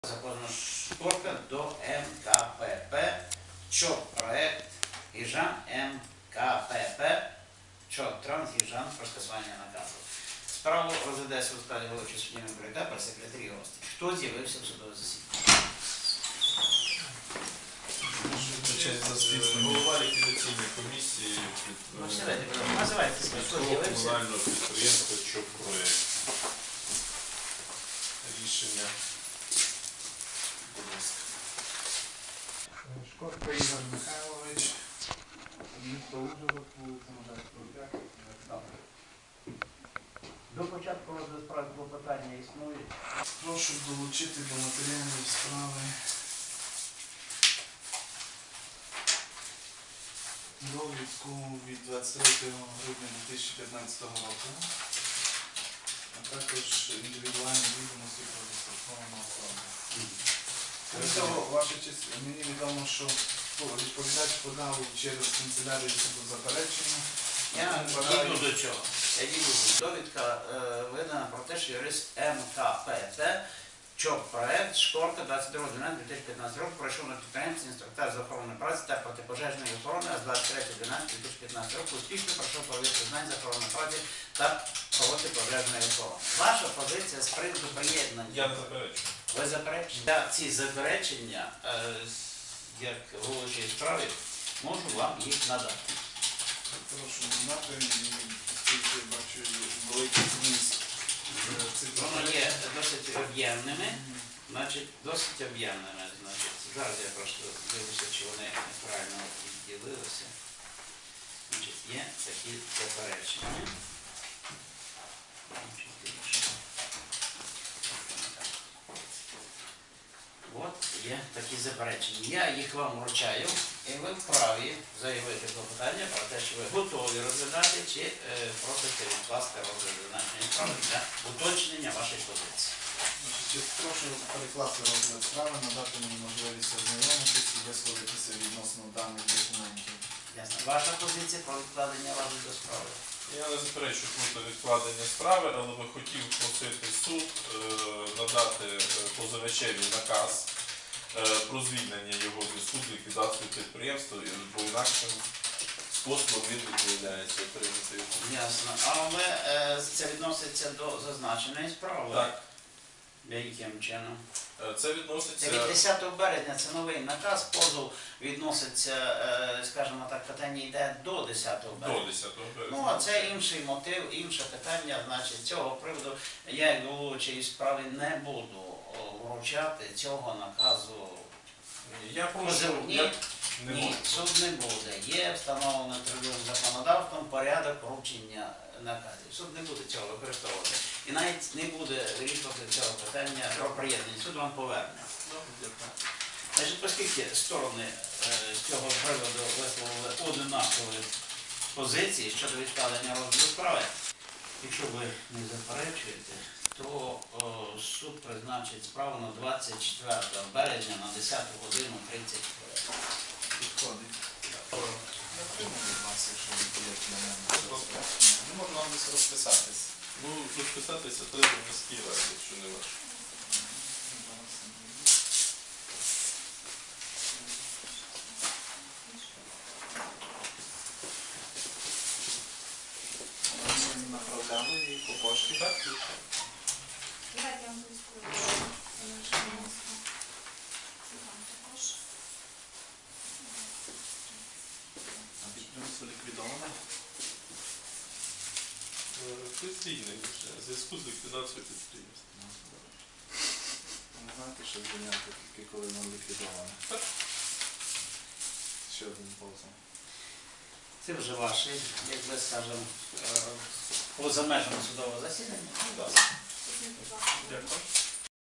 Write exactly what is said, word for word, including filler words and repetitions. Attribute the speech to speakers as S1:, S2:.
S1: Законна шторка до М К П П, ЧОП проект Гіжан М К П П, ЧОП Транс Гіжан про скасування наказу. Справу розглядається у складі голови суддівного прийда при секретарі гості. Хто з'явився в судове засідання?
S2: Голова ліквідаційної комісії
S1: Ну, сідайте, називайте себе, хто з'явився.
S2: комунального підприємства ЧОП проект. Рішення. Будь ласка.
S3: Шкорко Ігор Михайлович, місто Ужгород, вулиця Модерського п'ять.
S1: До початку розгляду справи клопотання існує.
S3: Прошу долучити до матеріалів справи довідку від двадцять третього грудня дві тисячі п'ятнадцятого року, а також індивідуальні відомості про застраховану особу. Крім того, ваша честь, мені відомо, що відповідач подав через канцелярію суду заперечення.
S1: Я дійду до чого. Я дійду до довідка е, видана про те, що юрист М К П Т, ЧОП проект, Шкорка, двадцять другого дванадцятого дві тисячі п'ятнадцятого року пройшов на підприємстві інструктаж з охорони праці та протипожежної охорони, а з двадцять третього дванадцятого дві тисячі п'ятнадцятого року успішно пройшов перевірку знань з охорони праці та протипожежної охорони. Ваша позиція з приводу приєднання.
S2: Я не заперечую.
S1: Ви заперечення? Я ці заперечення, е, як головуючої справи, можу вам їх надати.
S3: Прошу надати, оскільки бачу великий зміст цих
S1: Воно є досить об'ємними, значить, досить об'ємними. Значить, зараз я просто дивлюся, чи вони неправильно відділилися. Значить, є такі заперечення. От є такі заперечення. Я їх вам вручаю, і ви вправі заявити клопотання про те, що ви готові розглядати, чи е, просите відкласти розгляд зазначеної справи для уточнення вашої позиції.
S3: Значить, прошу перекласти розгляд справи, надати мені можливість ознайомитися і висловитися відносно даних документів.
S1: Ясно. Ваша позиція про відкладення розгляду справи?
S2: Я не заперечую проти відкладення справи, але би хотів просити суд е, надати е, позивачеві наказ е, про звільнення його в зв'язку з ліквідацією підприємства, бо інакшим способом він відмовляється отримати його.
S1: Ясно. Але е, це відноситься до зазначеної справи?
S2: Так.
S1: Яким чином?
S2: Е, Це відноситься...
S1: Це від десятого березня, це новий наказ, позов відноситься, е, скажімо так, питання йде до десятого березня.
S2: До десятого березня.
S1: Ну, а це інший мотив, інше питання, значить, цього приводу я, як головуючий справи, не буду вручати цього наказу.
S2: Я прошу...
S1: Позивні,
S2: Я... Не
S1: ні,
S2: можу.
S1: суд не буде. Є встановлено трудовим законодавством порядок вручення наказів. Суд не буде цього використовувати. І навіть не буде вирішувати цього питання про приєднання. Суд вам поверне. Значить, оскільки сторони е, з цього приводу висловили однакові позиції щодо відкладення розгляду справи, якщо ви не заперечуєте, то о, суд призначить справу на двадцять четвертого березня на десяту годину тридцять хвилин.
S3: Підходить. Я прийму від вас, якщо ви даєте на мене. Не можу вам десь розписатись.
S2: Ну, розписатися треба в міській раді, якщо не ваше.
S3: Направляли її по пошті.
S2: Так?
S4: Давайте я вам поискую наше місто. Вам також.
S3: А підприємство ліквідоване?
S2: Це звільнення вже, в зв'язку з ліквідацією підприємства.
S3: Не знаєте, що звільняти тільки коли воно ліквідоване?
S2: Так.
S3: Ще один позов.
S1: Це вже ваше, як би скажемо, поза межами судового засідання.
S2: Так.
S4: Візьміть, будь ласка.
S2: Дякую.